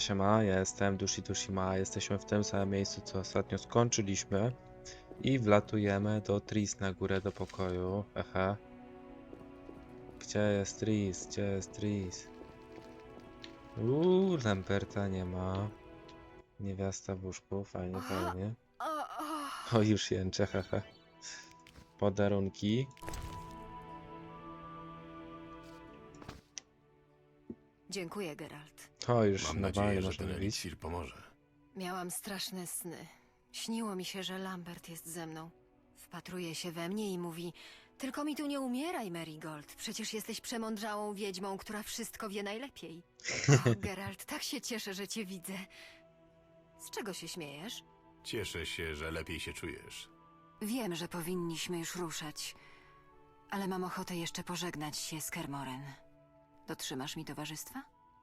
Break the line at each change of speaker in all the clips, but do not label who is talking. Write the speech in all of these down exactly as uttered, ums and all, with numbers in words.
siema, ja jestem Dushi Dushima, jesteśmy w tym samym miejscu, co ostatnio skończyliśmy i wlatujemy do Tris na górę do pokoju, aha. Gdzie jest Tris? Gdzie jest Tris? Uuu, Lamberta nie ma. Niewiasta w łóżku, fajnie, fajnie. O, już jęczę, haha. Podarunki.
Dziękuję, Geralt.
O, już
Mam
normalnie
nadzieję, że
można
ten
mówić.
eliksir pomoże.
Miałam straszne sny. Śniło mi się, że Lambert jest ze mną. Wpatruje się we mnie i mówi: tylko mi tu nie umieraj, Marigold. Przecież jesteś przemądrzałą wiedźmą, która wszystko wie najlepiej. O, Geralt, tak się cieszę, że cię widzę. Z czego się śmiejesz?
Cieszę się, że lepiej się czujesz.
Wiem, że powinniśmy już ruszać, ale mam ochotę jeszcze pożegnać się z Kermoren. Dotrzymasz mi towarzystwa?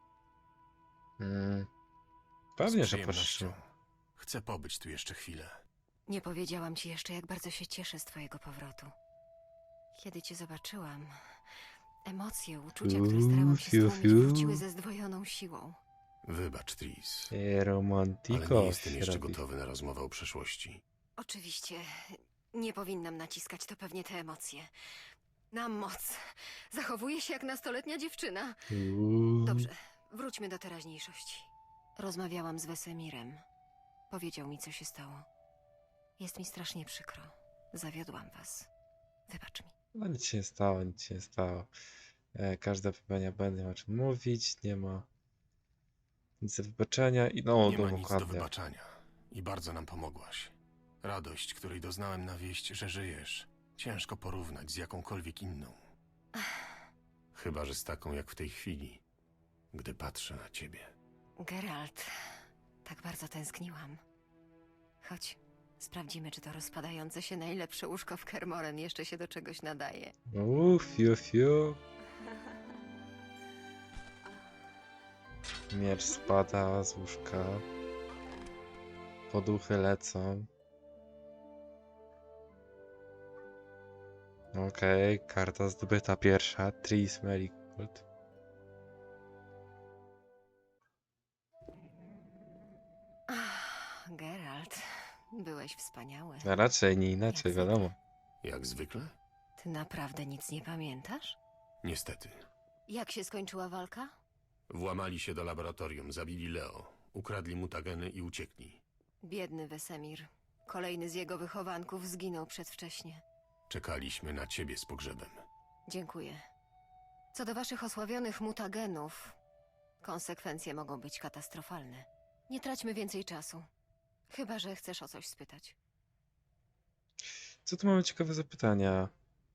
Mm,
Z
pewnie, że
przyjemnością.
poszło.
Chcę pobyć tu jeszcze chwilę.
Nie powiedziałam ci jeszcze, jak bardzo się cieszę z twojego powrotu. Kiedy cię zobaczyłam, emocje, uczucia, które starałam się
Fiu,
stłumić,
fiu.
wróciły ze zdwojoną siłą.
Wybacz, Tris,
I
ale
romantiko
nie jestem
się
jeszcze
robi.
gotowy na rozmowę o przeszłości.
Oczywiście, nie powinnam naciskać, to pewnie te emocje. Na moc. Zachowuję się jak nastoletnia dziewczyna.
Uuu.
Dobrze, wróćmy do teraźniejszości. Rozmawiałam z Wesemirem. Powiedział mi, co się stało. Jest mi strasznie przykro. Zawiodłam was. Wybacz mi.
No nic się nie stało, nic się nie stało. E, każda popełnia błędy, nie ma czym mówić, nie ma nic do wybaczenia i no,
Nie ma nic do
dokładnie.
wybaczania i bardzo nam pomogłaś. Radość, której doznałem na wieść, że żyjesz, ciężko porównać z jakąkolwiek inną. Chyba że z taką jak w tej chwili, gdy patrzę na ciebie.
Geralt, tak bardzo tęskniłam. Chodź, sprawdzimy, czy to rozpadające się najlepsze łóżko w Kermoren jeszcze się do czegoś nadaje.
Uuu, fiu, fiu. Miecz spada z łóżka. Poduchy lecą. Okej, karta zdobyta pierwsza. Tris Merigold.
Ach, Geralt, byłeś wspaniały.
A raczej nie inaczej,
Jak zwykle.
wiadomo.
Jak zwykle?
Ty naprawdę nic nie pamiętasz?
Niestety.
Jak się skończyła walka?
Włamali się do laboratorium, zabili Leo, ukradli mutageny i uciekli.
Biedny Wesemir. Kolejny z jego wychowanków zginął przedwcześnie.
Czekaliśmy na ciebie z pogrzebem.
Dziękuję. Co do waszych osławionych mutagenów, konsekwencje mogą być katastrofalne. Nie traćmy więcej czasu. Chyba że chcesz o coś spytać.
Co tu mamy ciekawe zapytania?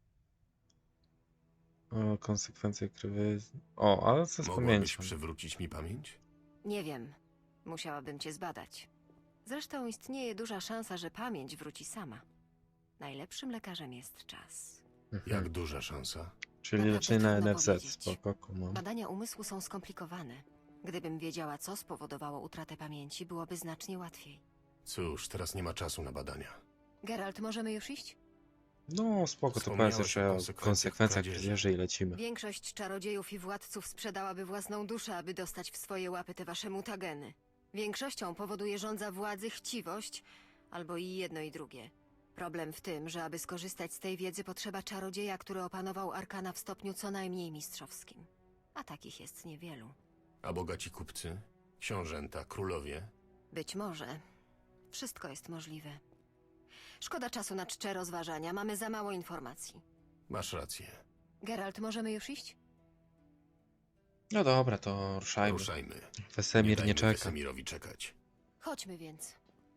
O, konsekwencje krwi. O, ale co z
Mogłabyś
pamięcią?
przywrócić mi pamięć?
Nie wiem. Musiałabym cię zbadać. Zresztą istnieje duża szansa, że pamięć wróci sama. Najlepszym lekarzem jest czas.
Mhm.
Jak duża szansa?
Czyli
Naprawdę
leczenie na
trudno
N F Z.
powiedzieć.
Spoko, kumam.
Badania umysłu są skomplikowane. Gdybym wiedziała, co spowodowało utratę pamięci, byłoby znacznie łatwiej.
Cóż, teraz nie ma czasu na badania.
Geralt, możemy już iść?
No spoko, to
Wspomniałeś
powiedz jeszcze
o
o
konsekwencjach
konsekwencjach
kradzieży.
kradzieży i lecimy.
Większość czarodziejów i władców sprzedałaby własną duszę, aby dostać w swoje łapy te wasze mutageny. Większością powoduje żądza władzy chciwość, albo i jedno i drugie. Problem w tym, że aby skorzystać z tej wiedzy potrzeba czarodzieja, który opanował arkana w stopniu co najmniej mistrzowskim. A takich jest niewielu.
A bogaci kupcy? Książęta, królowie?
Być może. Wszystko jest możliwe. Szkoda czasu na czcze rozważania, mamy za mało informacji.
Masz rację.
Geralt, możemy już iść?
No dobra, to ruszajmy.
Ruszajmy.
Wesemir nie
dajmy
czeka.
Wesemirowi czekać.
Chodźmy więc.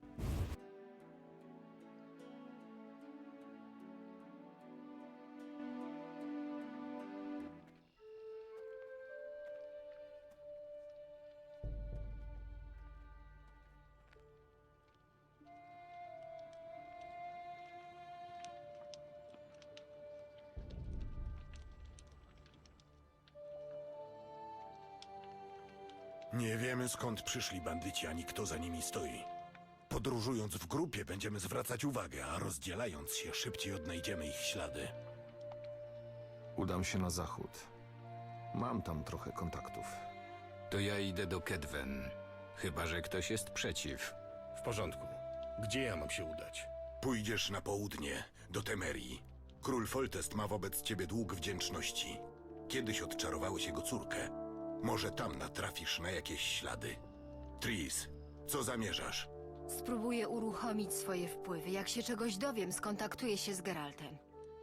Nie wiemy, skąd przyszli bandyci, ani kto za nimi stoi. Podróżując w grupie będziemy zwracać uwagę, a rozdzielając się szybciej odnajdziemy ich ślady.
Udam się na zachód. Mam tam trochę kontaktów.
To ja idę do Kedwen. Chyba że ktoś jest przeciw.
W porządku. Gdzie ja mam się udać?
Pójdziesz na południe, do Temerii. Król Foltest ma wobec ciebie dług wdzięczności. Kiedyś odczarowałeś jego córkę. Może tam natrafisz na jakieś ślady. Tris, co zamierzasz?
Spróbuję uruchomić swoje wpływy. Jak się czegoś dowiem, skontaktuję się z Geraltem.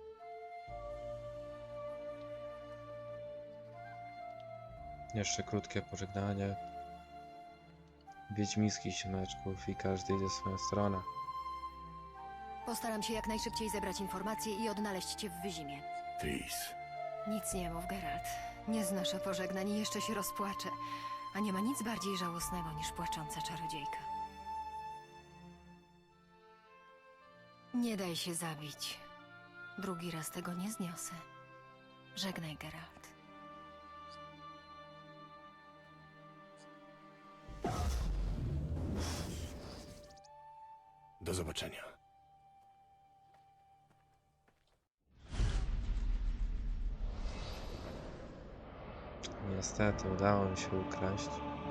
Jeszcze krótkie pożegnanie. Wiedźmińskich siemeczków i każdy idzie w swoją stronę.
Postaram się jak najszybciej zebrać informacje i odnaleźć cię w Wyzimie.
Tris.
Nic nie mów, Geralt. Nie znoszę pożegnań i jeszcze się rozpłaczę. A nie ma nic bardziej żałosnego niż płacząca czarodziejka. Nie daj się zabić. Drugi raz tego nie zniosę. Żegnaj, Geralt.
Do zobaczenia.
Niestety udało mi się ukraść.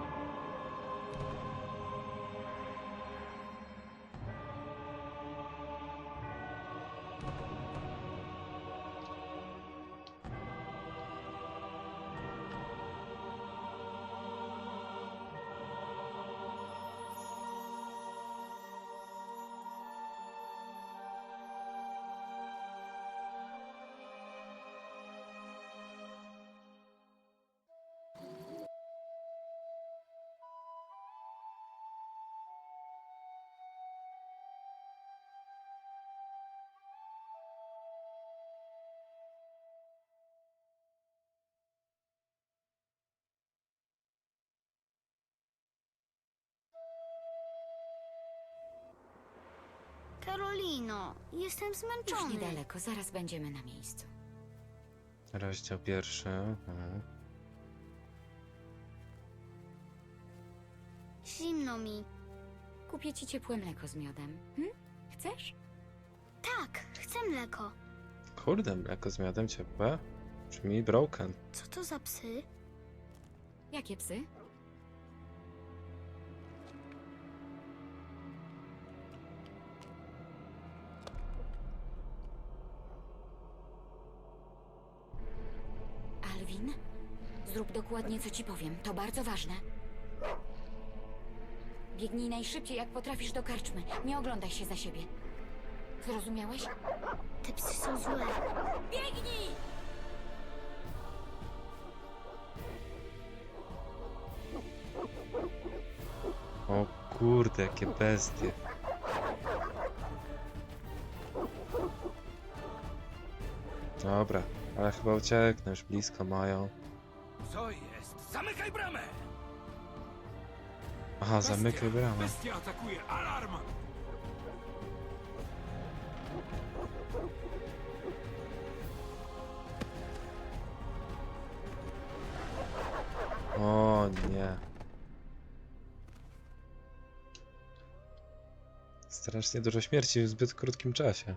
Karolino, jestem
Już
zmęczony.
niedaleko, zaraz będziemy na miejscu.
Rozdział pierwszy. Mhm.
Zimno mi.
Kupię ci ciepłe mleko z miodem. Hm? Chcesz?
Tak, chcę mleko.
Kurde, mleko z miodem ciepłe. Brzmi broken.
Co to za psy?
Jakie psy? Alwin, zrób dokładnie, co ci powiem. To bardzo ważne. Biegnij najszybciej, jak potrafisz, do karczmy. Nie oglądaj się za siebie. Zrozumiałeś?
Te psy są złe.
Biegnij!
O kurde, jakie bestie. Dobra, ale chyba ucieknę, już blisko mają.
Co jest? Zamykaj bramę!
Aha, zamykaj bramę.
Bestia atakuje! Alarm!
O nie. Strasznie dużo śmierci w zbyt krótkim czasie.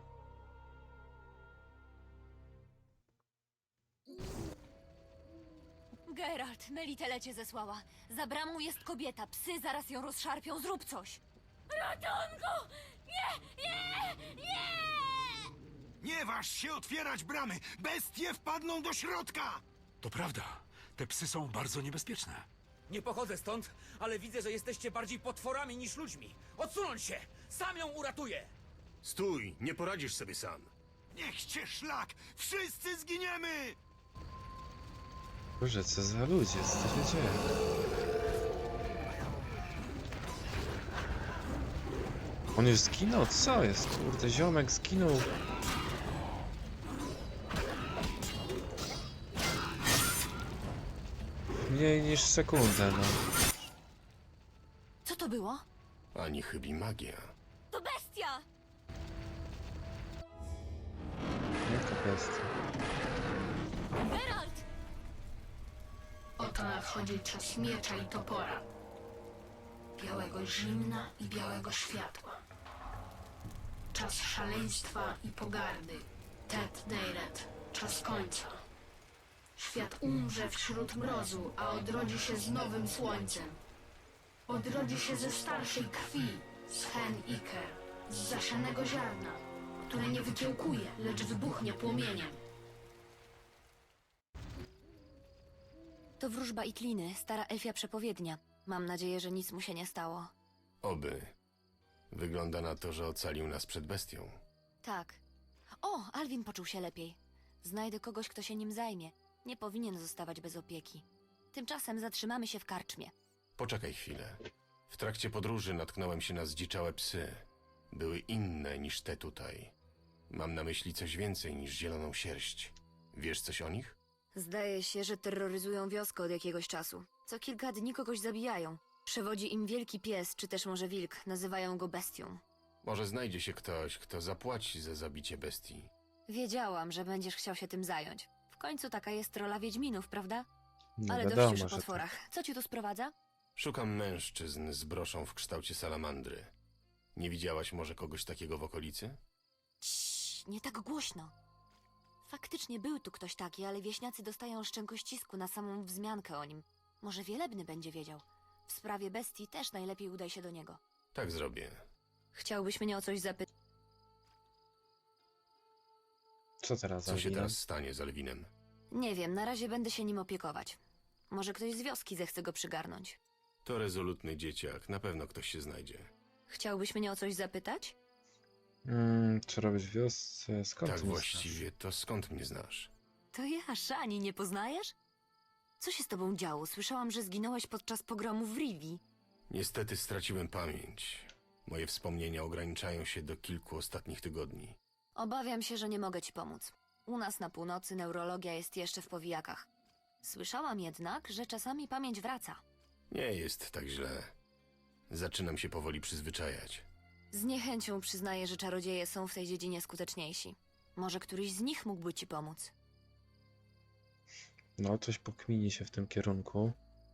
Geralt, Melitele cię zesłała. Za bramą jest kobieta. Psy zaraz ją rozszarpią. Zrób coś. Ratunku! Nie! Nie! Nie!
Nie waż się otwierać bramy! Bestie wpadną do środka! To prawda. Te psy są bardzo niebezpieczne.
Nie pochodzę stąd, ale widzę, że jesteście bardziej potworami niż ludźmi. Odsunąć się! Sam ją uratuję!
Stój, nie poradzisz sobie sam.
Niech cię szlak! Wszyscy zginiemy!
Boże, co za ludzie, co się dzieje? On już zginął? Co jest? Kurde, ziomek zginął. Mniej niż sekundę, no.
Co to było?
Ani chybi magia.
To bestia!
Jaka bestia.
Geralt!
Oto nadchodzi czas miecza i topora. Białego zimna i białego światła. Czas szaleństwa i pogardy. Tet Deiret. Czas końca. Świat umrze wśród mrozu, a odrodzi się z nowym słońcem. Odrodzi się ze starszej krwi, z hen Iker, z zasianego ziarna, które nie wykiełkuje, lecz wybuchnie płomieniem.
To wróżba Itliny, stara elfia przepowiednia. Mam nadzieję, że nic mu się nie stało.
Oby. Wygląda na to, że ocalił nas przed bestią.
Tak. O, Alwin poczuł się lepiej. Znajdę kogoś, kto się nim zajmie. Nie powinien zostawać bez opieki. Tymczasem zatrzymamy się w karczmie.
Poczekaj chwilę. W trakcie podróży natknąłem się na zdziczałe psy. Były inne niż te tutaj. Mam na myśli coś więcej niż zieloną sierść. Wiesz coś o nich?
Zdaje się, że terroryzują wioskę od jakiegoś czasu. Co kilka dni kogoś zabijają. Przewodzi im wielki pies, czy też może wilk. Nazywają go bestią.
Może znajdzie się ktoś, kto zapłaci za zabicie bestii.
Wiedziałam, że będziesz chciał się tym zająć. W końcu taka jest rola wiedźminów, prawda?
No
Ale
wiadomo,
dość już o
że tak.
potworach. Co ci tu sprowadza?
Szukam mężczyzn z broszą w kształcie salamandry. Nie widziałaś może kogoś takiego w okolicy?
Ciii, nie tak głośno. Faktycznie był tu ktoś taki, ale wieśniacy dostają szczękościsku na samą wzmiankę o nim. Może Wielebny będzie wiedział. W sprawie bestii też najlepiej udaj się do niego.
Tak zrobię.
Chciałbyś mnie o coś zapytać?
Co teraz
Co się
Alwinem?
teraz stanie z Alwinem?
Nie wiem, na razie będę się nim opiekować. Może ktoś z wioski zechce go przygarnąć.
To rezolutny dzieciak, na pewno ktoś się znajdzie.
Chciałbyś mnie o coś zapytać?
Mm, co robisz w wiosce? Skąd
Tak
ty mnie
właściwie, to skąd mnie znasz?
To ja, Szani, nie poznajesz? Co się z tobą działo? Słyszałam, że zginąłeś podczas pogromu w Rivii.
Niestety straciłem pamięć. Moje wspomnienia ograniczają się do kilku ostatnich tygodni.
Obawiam się, że nie mogę ci pomóc. U nas na północy neurologia jest jeszcze w powijakach. Słyszałam jednak, że czasami pamięć wraca.
Nie jest tak źle. Zaczynam się powoli przyzwyczajać.
Z niechęcią przyznaję, że czarodzieje są w tej dziedzinie skuteczniejsi. Może któryś z nich mógłby ci pomóc.
No, coś pokmini się w tym kierunku.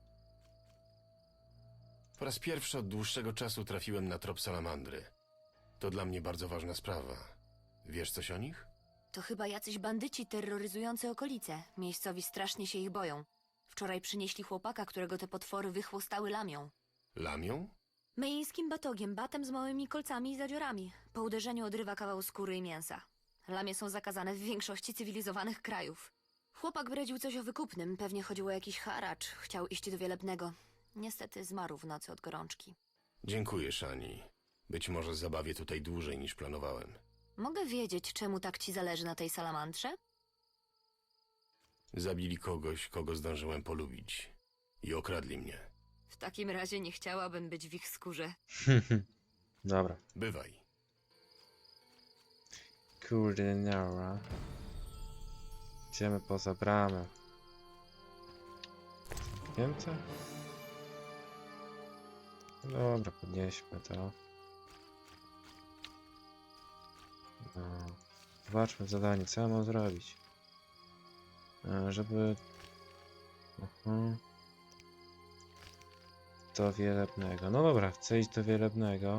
Po raz pierwszy od dłuższego czasu trafiłem na trop salamandry. To dla mnie bardzo ważna sprawa. Wiesz coś o nich?
To chyba jacyś bandyci terroryzujący okolice. Miejscowi strasznie się ich boją. Wczoraj przynieśli chłopaka, którego te potwory wychłostały lamią.
Lamią?
Myjskim batogiem, batem z małymi kolcami i zadziorami. Po uderzeniu odrywa kawał skóry i mięsa. Lamie są zakazane w większości cywilizowanych krajów. Chłopak bredził coś o wykupnym, pewnie chodziło o jakiś haracz. Chciał iść do Wielebnego. Niestety zmarł w nocy od gorączki.
Dziękuję, Szani. Być może zabawię tutaj dłużej niż planowałem.
Mogę wiedzieć, czemu tak ci zależy na tej salamandrze?
Zabili kogoś, kogo zdążyłem polubić. I okradli mnie.
W takim razie nie chciałabym być w ich skórze.
Dobra.
Bywaj.
Kurde, nara. Idziemy poza bramę. Zamknięte? Dobra, podnieśmy to. No. Zobaczmy zadanie, co ja mam zrobić. E, żeby... Uh-huh. Do Wielebnego. No dobra, chcę iść do Wielebnego.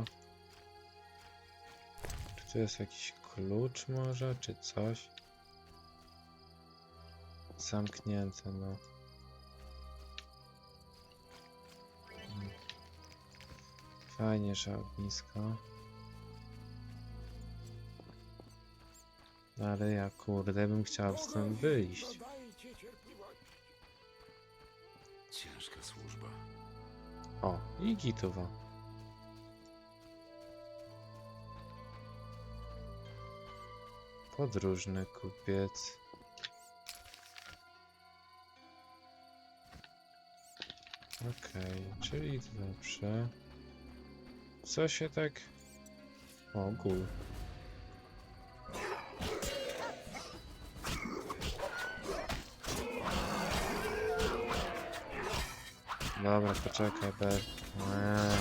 Czy tu jest jakiś klucz może, czy coś? Zamknięte, no. Hmm. Fajnie, że ognisko. Ale ja kurde bym chciał stąd wyjść.
Ciężka służba.
O, i gitowa. Podróżny kupiec. Okej, czyli dobrze. Co się tak... O, gul. Dobra, poczekaj, Ber. Eee.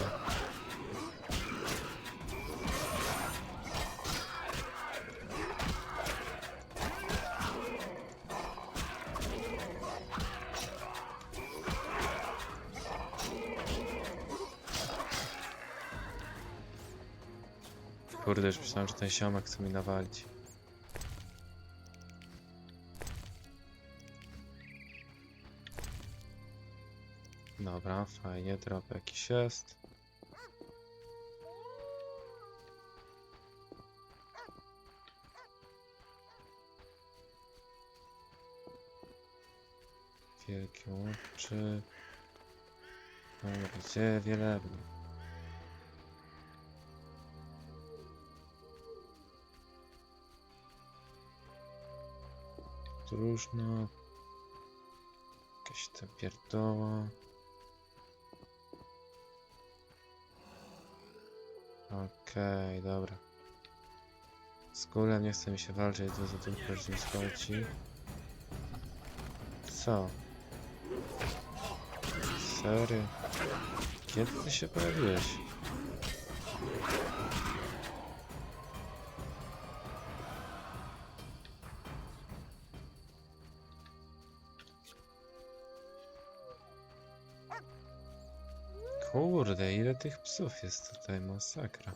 Kurde, już myślałem, że ten siomek chce mi nawalić. Dobra, fajnie, drop jakiś jest. Wielkie oczy. Dobra, gdzie wielebny? Różno. Jakaś ta pierdoła. Okej, okay, dobra. Z kulem nie chce mi się walczyć, to za tym już nie schodzi. Co? Serio? Kiedy ty się pojawiłeś? Kurde, ile tych psów jest tutaj, masakra.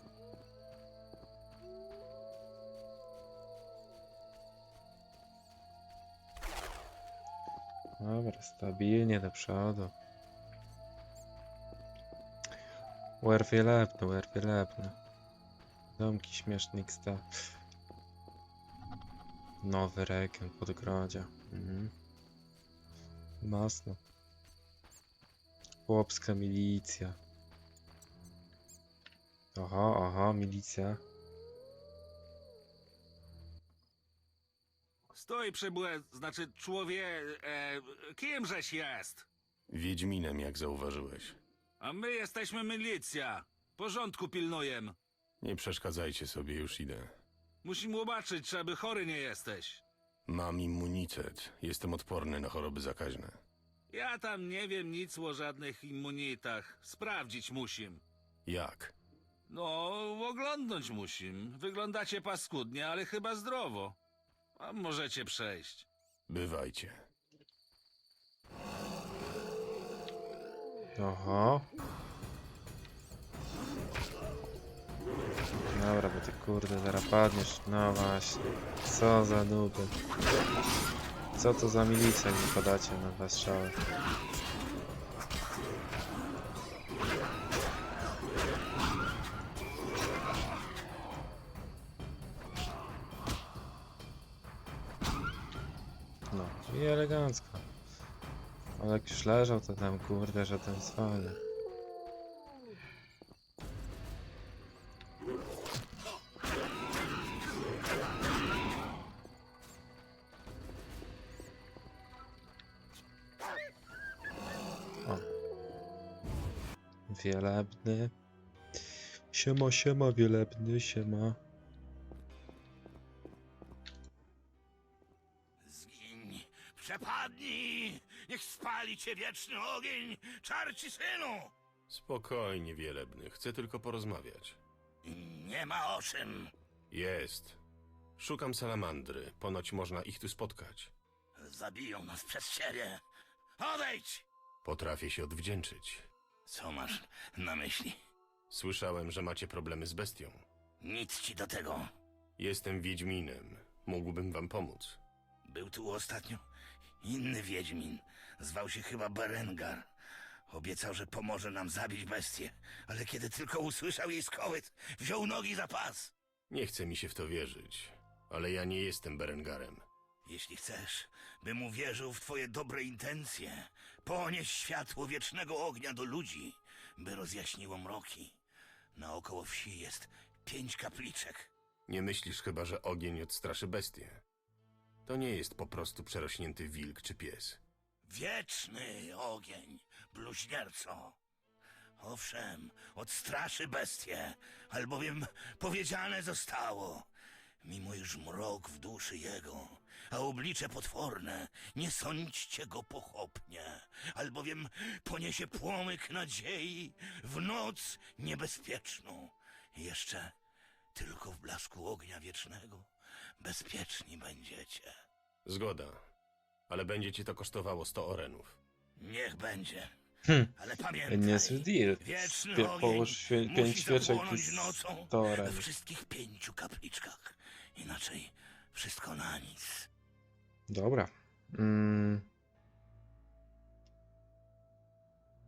Dobra, stabilnie do przodu. Wer wielebny, wer wielebny. Domki śmieszny sta. Nowy region Podgrodzia. Mhm. Masno. Chłopska milicja. Aha, aha, milicja.
Stój, przybłe, znaczy człowie... E, kimżeś jest?
Wiedźminem, jak zauważyłeś.
A my jesteśmy milicja. Porządku pilnujem.
Nie przeszkadzajcie sobie, już idę.
Musimy zobaczyć, czy aby chory nie jesteś.
Mam immunitet. Jestem odporny na choroby zakaźne.
Ja tam nie wiem nic o żadnych immunitach. Sprawdzić musim.
Jak?
No, oglądnąć musim. Wyglądacie paskudnie, ale chyba zdrowo. A możecie przejść.
Bywajcie.
Oho. Dobra, bo ty kurde zaraz padniesz. No właśnie. Co za nuby. Co to za milicja mi podacie na dwa strzały? No i elegancko. Ale jak już leżał, to tam kurde, że ten zwalnia. O. Wielebny. Siema, siema, wielebny, siema.
Zgiń, przepadnij! Niech spali cię wieczny ogień, czarci synu!
Spokojnie, wielebny. Chcę tylko porozmawiać.
Nie ma o czym.
Jest. Szukam salamandry. Ponoć można ich tu spotkać.
Zabiją nas przez ciebie. Odejdź!
Potrafię się odwdzięczyć.
Co masz na myśli?
Słyszałem, że macie problemy z bestią.
Nic ci do tego.
Jestem Wiedźminem. Mógłbym wam pomóc.
Był tu ostatnio inny Wiedźmin. Zwał się chyba Berengar. Obiecał, że pomoże nam zabić bestię, ale kiedy tylko usłyszał jej skołyt, wziął nogi za pas.
Nie chce mi się w to wierzyć, ale ja nie jestem Berengarem.
Jeśli chcesz, bym uwierzył w twoje dobre intencje, ponieś światło wiecznego ognia do ludzi, by rozjaśniło mroki. Naokoło wsi jest pięć kapliczek.
Nie myślisz chyba, że ogień odstraszy bestię? To nie jest po prostu przerośnięty wilk czy pies.
Wieczny ogień, bluźnierco. Owszem, odstraszy bestię, albowiem powiedziane zostało. Mimo iż mrok w duszy jego, a oblicze potworne, nie sądźcie go pochopnie, albowiem poniesie płomyk nadziei w noc niebezpieczną. Jeszcze tylko w blasku ognia wiecznego bezpieczni będziecie.
Zgoda, ale będzie ci to kosztowało sto orenów.
Niech będzie.
Hm.
Ale pamiętaj,
Niezły deal.
wieczny
Pie-
ogień
Połóż świe-
musi
pięć świeczek
zapłonąć
i
nocą
sto
we
orenów.
wszystkich pięciu kapliczkach. Inaczej wszystko na nic.
Dobra. Mm.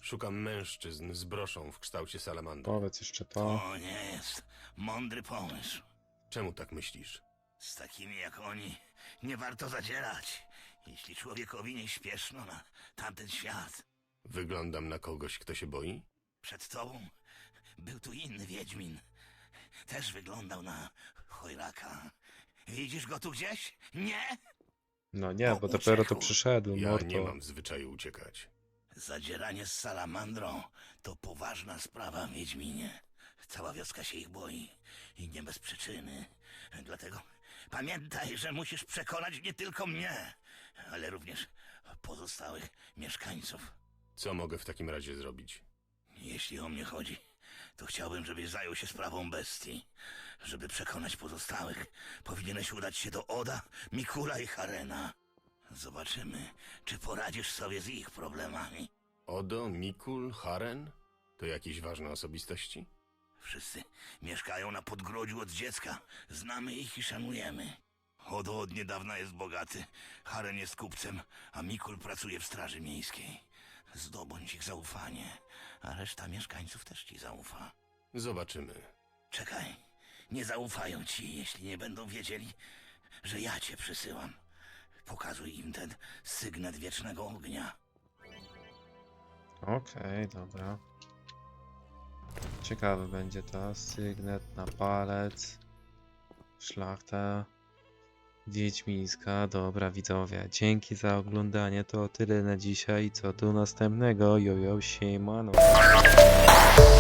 Szukam mężczyzn z broszą w kształcie salamandry.
Powiedz jeszcze to.
To nie jest mądry pomysł.
Czemu tak myślisz?
Z takimi jak oni nie warto zadzierać, jeśli człowiekowi nie śpieszno na tamten świat.
Wyglądam na kogoś, kto się boi?
Przed tobą był tu inny wiedźmin. Też wyglądał na chojraka. Widzisz go tu gdzieś? Nie?
No nie,
To
bo dopiero to
uciekł.
przyszedł,
Ja
mordo.
nie mam w zwyczaju uciekać.
Zadzieranie z salamandrą to poważna sprawa, Wiedźminie. Cała wioska się ich boi i nie bez przyczyny. Dlatego pamiętaj, że musisz przekonać nie tylko mnie, ale również pozostałych mieszkańców.
Co mogę w takim razie zrobić?
Jeśli o mnie chodzi, to chciałbym, żebyś zajął się sprawą bestii. Żeby przekonać pozostałych, powinieneś udać się do Oda, Mikula i Harena. Zobaczymy, czy poradzisz sobie z ich problemami.
Odo, Mikul, Haren? To jakieś ważne osobistości?
Wszyscy mieszkają na Podgrodziu od dziecka. Znamy ich i szanujemy. Odo od niedawna jest bogaty, Haren jest kupcem, a Mikul pracuje w straży miejskiej. Zdobądź ich zaufanie, a reszta mieszkańców też ci zaufa.
Zobaczymy.
Czekaj, nie zaufają ci, jeśli nie będą wiedzieli, że ja cię przysyłam. Pokazuj im ten sygnet wiecznego ognia.
Okej, dobra. Ciekawe będzie to. Sygnet na palec. Szlachta wiedźmińska. Dobra, widzowie. Dzięki za oglądanie. To tyle na dzisiaj. Co do następnego. Jojo, siemano.